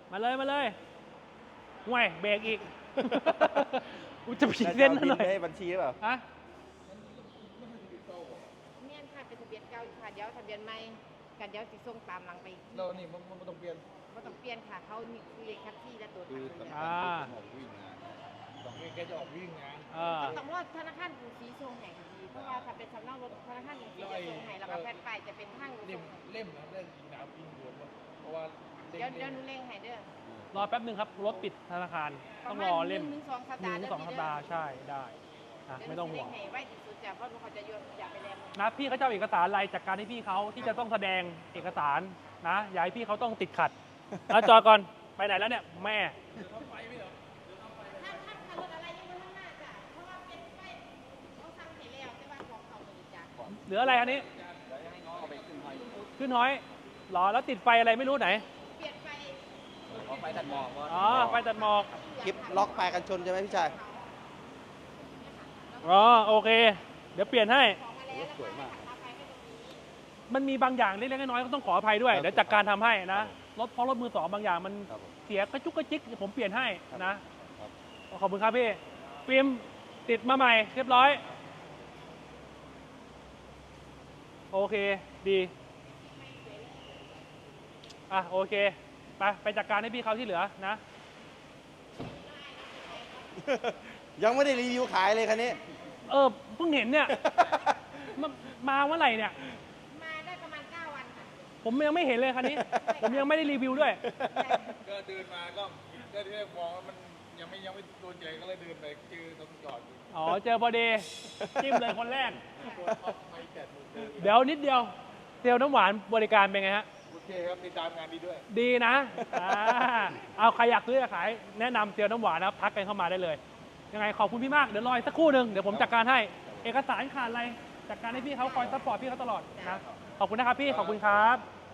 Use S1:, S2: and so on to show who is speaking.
S1: มาเลยห่วยเบรกอีก อุยจะพีเส้นหน่อย
S2: ได้บัญชีหรือเปล่า
S1: ฮะ
S3: เมียนค่ะเป็นทะเบียนเก่าอยู่ค่ะเดี๋ยวทะเบียนใหม่กันเดี๋ยวสิส่งตามหลังไปอีกที
S4: เรานี่มันต้องเปลี่ยน
S3: ก็ต้องเปลี่ยนค่ะเขานี่คือเลขคัดที่และตัว
S2: คือ
S3: ทาง
S2: สำ
S3: เดิ
S2: คัญ
S3: น
S2: คือของวิ่งงาน
S4: ต้องแกจะออกวิ่งงาน
S3: ต้องรอธนาคารกรุงศรีส่งให้ค่ะพี่เพราะว่าถ้าเป็นสำเนารถธนาคารกรุงศรีจะส่งให้แล้วก็แผ่นป้ายจะเป็นทางส่
S4: เล่ม
S3: งให้
S4: เล่มนะเรื่องยิงน้ำยิงรวมเพราะว่า
S3: เดี๋ยวหนูเร่งให้เด้อ
S1: รอแป๊บหนึ่งครับรถปิดธนาคาร
S3: ป
S1: ต้
S3: ระ
S1: อง
S3: มาร ณ
S1: อเล่ม
S3: 1 ถึง 2 สัป
S1: ห
S3: ดา
S1: นึ่
S3: ห์
S1: งสองสัปดาห์ใช่ได้นะไม่ต้องห่วง
S3: เดี๋ยวหนูสิเร่งให้ไว้ที่สุดจ้ะเพราะหนูเขาจะอย่าไปแรง
S1: นะพี่เขาจะเอาเอกสารอะไรจากการที่พี่เขาที่จะต้องแสดงเอกสารนะอย่าให้พี่เขาต้องติดขัดแล้วจอดก่อนไปไหนแล้วเนี่ยแม่
S3: ถ้ารถอะไรยังไม่ข้างหน้าจ้ะเพราะว่าเป็นไฟเขาสั่งให้แล้วแต่ว่าของเขาเลยจ้ะ
S1: เหลืออะไรอันนี้
S2: เอาไปขึ้นหอย
S1: ขึ้นห้อยหรอแล้วติดไฟอะไรไม่รู้ไหน
S3: เปลี่ยนไฟ
S2: เอาไปตัดหมอก
S1: อ๋อไฟตัดหมอก
S2: คลิปล็อกปลายกันชนใช่ไหมพี่ชาย
S1: อ๋อโอเค เดี๋ยวเปลี่ยนให้
S3: ของมาแล้ว
S2: สวยมาก
S3: ราคาให้ตรงนี้
S1: มันมีบางอย่างเล็กๆน้อยๆก็ต้องขออภัยด้วย
S2: ครับ
S1: เดี๋ยวจัดการทำให้นะรถเพราะรถมือสองบางอย่างมัน
S2: ครับผม
S1: เสียกระจุกกระจิกเดี๋ยวผมเปลี่ยนให้
S2: ครับ
S1: นะครับ ขอบคุณครับพี่ฟิล์มติดมาใหม่เรียบร้อย โอเคดีอ่ะโอเคไปจัดการให้พี่เขาที่เหลือนะ
S2: ยังไม่ได้รีวิวขายเลยคันนี้
S1: เพิ่งเห็นเนี่ย มาเมื่อไหร่เนี่ย
S3: มาได้ประมาณ 9 วันค่ะ
S1: ผมยังไม่เห็นเลยคันนี้ ผมยังไม่ได้รีวิวด้วย
S4: ก็เดินมาก็ที่แรกมองว่ามันยังไม่โดนใจก็เลยเดินไปเจอตรงจอดอยู่
S1: อ๋อเจอพอดีจิ้มเลยคนแรก
S4: ตัวท็อปไม่แปดโมงเดิน
S1: เดี๋ยวนิดเดียวเซลล์น้ำหวานบริการเป็นไงฮะ
S4: โอเคครับติดตามงานดีด้วย
S1: ดีนะเอาใครอยากซื้ออยากขายแนะนำเซลล์น้ำหวานนะครับทักกันเข้ามาได้เลย ยังไงขอบคุณพี่มาก เดี๋ยวรออีกสักครู่หนึ่งเดี๋ยวผมจัดการให้ เอกสารขาดอะไรจัดการให้พี่เขาคอยซัพพอร์ตพี่เขาตลอดนะ ขอบคุณนะครับพี่ ขอบคุณครับ